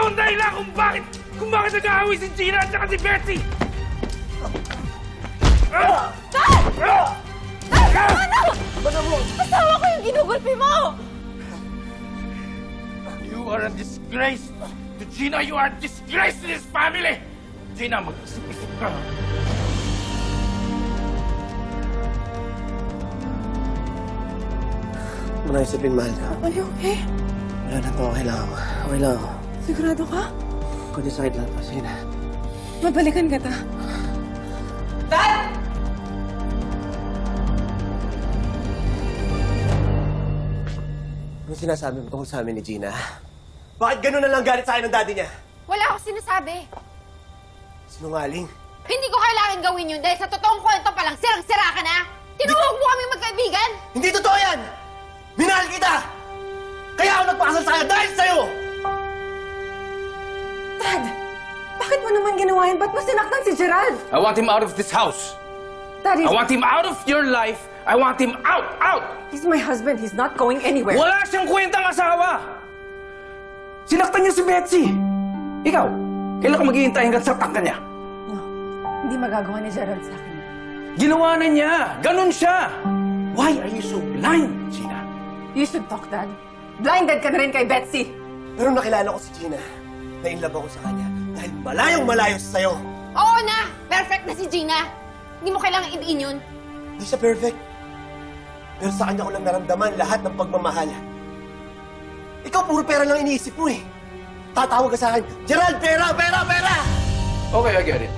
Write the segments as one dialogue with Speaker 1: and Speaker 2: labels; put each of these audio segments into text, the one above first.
Speaker 1: ang dahilan kung bakit nag-aaway si Gina at saka si Betsy!
Speaker 2: Dad! Dad! Tama na! Asawa ko yung ginugulpi mo!
Speaker 1: You are a disgrace to Gina! You are a disgrace to this family! Gina, mag-isip-isip ka.
Speaker 3: Muna isipin, mahal ka.
Speaker 2: Are you okay?
Speaker 3: Wala na po, okay lang ako. Okay lang ako.
Speaker 2: Sigurado ka?
Speaker 3: Kundi sakit lang pa, sige na.
Speaker 2: Mabalikan ka ta. Dad!
Speaker 3: Anong sinasabi mo tungkol sa amin ni Gina? Bakit ganun na lang galit sa akin ng daddy niya?
Speaker 2: Wala akong sinasabi.
Speaker 3: Sinungaling.
Speaker 2: Hindi ko kailangan gawin yun dahil sa totoong kwento pa lang, sirang-sira ka na. Tinuwag mo kami magkaibigan.
Speaker 3: Hindi totoo yan! Minahal kita! Kaya ako nagpakasal sa kanya dahil sa'yo!
Speaker 2: Dad, bakit mo naman ginawa yan? Ba't mo sinaktan si Gerald?
Speaker 1: I want him out of this house!
Speaker 2: Daddy,
Speaker 1: I want him out of your life! I want him out! Out!
Speaker 2: he's my husband. He's not going anywhere.
Speaker 1: Wala siyang kwentang asawa! Sinaktan niya si Betsy! Ikaw, kailan ka maghihintay hanggang saktan ka niya?
Speaker 2: No, hindi magagawa ni Gerald sa akin.
Speaker 1: Ginawa na niya! Ganon siya! Why are you so blind, Gina?
Speaker 2: You should talk, Dad. Blinded ka na rin kay Betsy.
Speaker 3: Pero nakilala ko si Gina. Na-inlove ako sa kanya dahil malayong malayo sa'yo.
Speaker 2: Oo na! Perfect na si Gina. Hindi mo kailangan idiin yun.
Speaker 3: Hindi siya perfect. Pero sa kanya ko lang naramdaman lahat ng pagmamahal. Ikaw puro pera lang iniisip mo eh. Tatawag ka sa akin, Gerald, pera, pera, pera!
Speaker 1: Okay, I get it.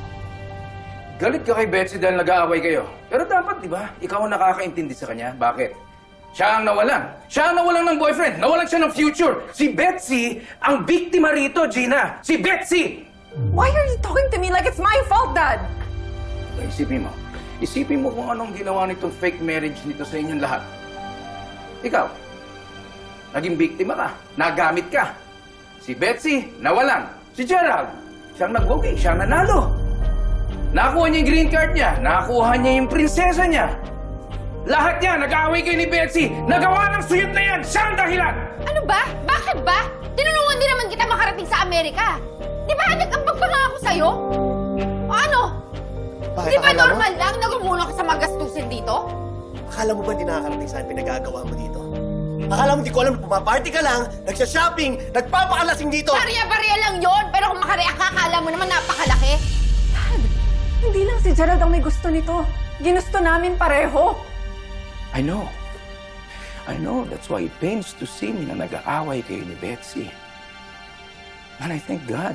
Speaker 1: Galit ka kay Betsy dahil nag-aaway kayo. Pero dapat, di ba, ikaw ang nakakaintindi sa kanya. Bakit? Siya ang nawalan. Siya ang nawalan ng boyfriend. Nawalan siya ng future. Si Betsy ang biktima rito, Gina. Si Betsy!
Speaker 2: Why are you talking to me like it's my fault, Dad?
Speaker 1: Isipin mo. Isipin mo kung anong ginawa nitong fake marriage nito sa inyong lahat. Ikaw, naging biktima ka. Nagamit ka. Si Betsy, nawalan. Si Gerald, siyang nag-okay. Siyang nanalo. Nakakuha niya yung green card niya. Nakakuha niya yung prinsesa niya. Lahat niya, nag-aaway kayo ni Betsy. Nagawa ng suyot na yan. Siya ang dahilan.
Speaker 2: Ano ba? Bakit ba? Tinulungan din naman kita makarating sa Amerika. Di ba nag-ambag pa nga ako sa'yo? O ano?
Speaker 3: Bakit
Speaker 2: Di ba
Speaker 3: akala mo?
Speaker 2: normal lang na gumulong ka sa mga gastusin dito?
Speaker 3: Akala mo ba hindi nakakarating saan pinagagawa mo dito? Akala mo di ko alam na pumaparty ka lang, nagsha-shopping, nagpapakalasing dito!
Speaker 2: Barya-barya lang yon, pero kung makareact ka, akala mo naman napakalaki. Dad, hindi lang si Gerald ang may gusto nito. Ginusto namin pareho.
Speaker 1: I know. I know. That's why it pains to see me na nag-aaway kayo ni Betsy. And I thank God,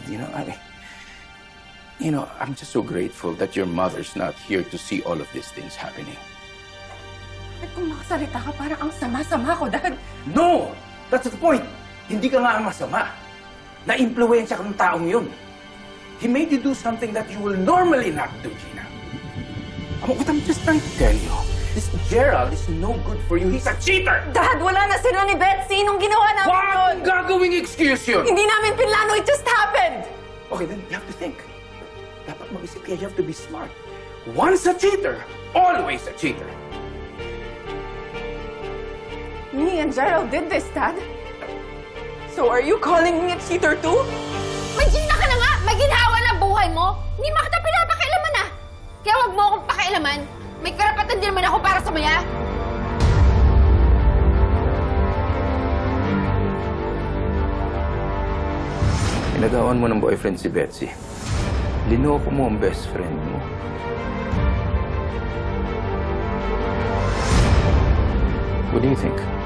Speaker 1: I'm just so grateful that your mother's not here to see all of these things happening.
Speaker 2: At kung makasalita ka, parang ang sama-sama ko, Dad.
Speaker 1: No! That's the point. Hindi ka nga masama. Na-impluwensya ka ng taong yun. He made you do something that you will normally not do, Gina. What I'm just trying to tell you, this Gerald is no good for you. He's a cheater!
Speaker 2: Dad, wala na sila ni Betsy nung ginawa namin yun.
Speaker 1: What gagawing excuse yun?
Speaker 2: Hindi namin pinlano, it just happened.
Speaker 1: Okay, then you have to think. Dapat mag-isip kaya you have to be smart. Once a cheater, always a cheater.
Speaker 2: Me and Gerald did this, Dad. So are you calling me a cheater too? May Gina ka na nga! May ginhawa na buhay mo! Hindi mo kita pinapakialaman ah! Kaya wag mo akong pakialaman. May karapatan din naman ako para sa maya.
Speaker 1: Pinagawan mo ng boyfriend si Betsy. Linoko mo ang best friend mo. What do you think?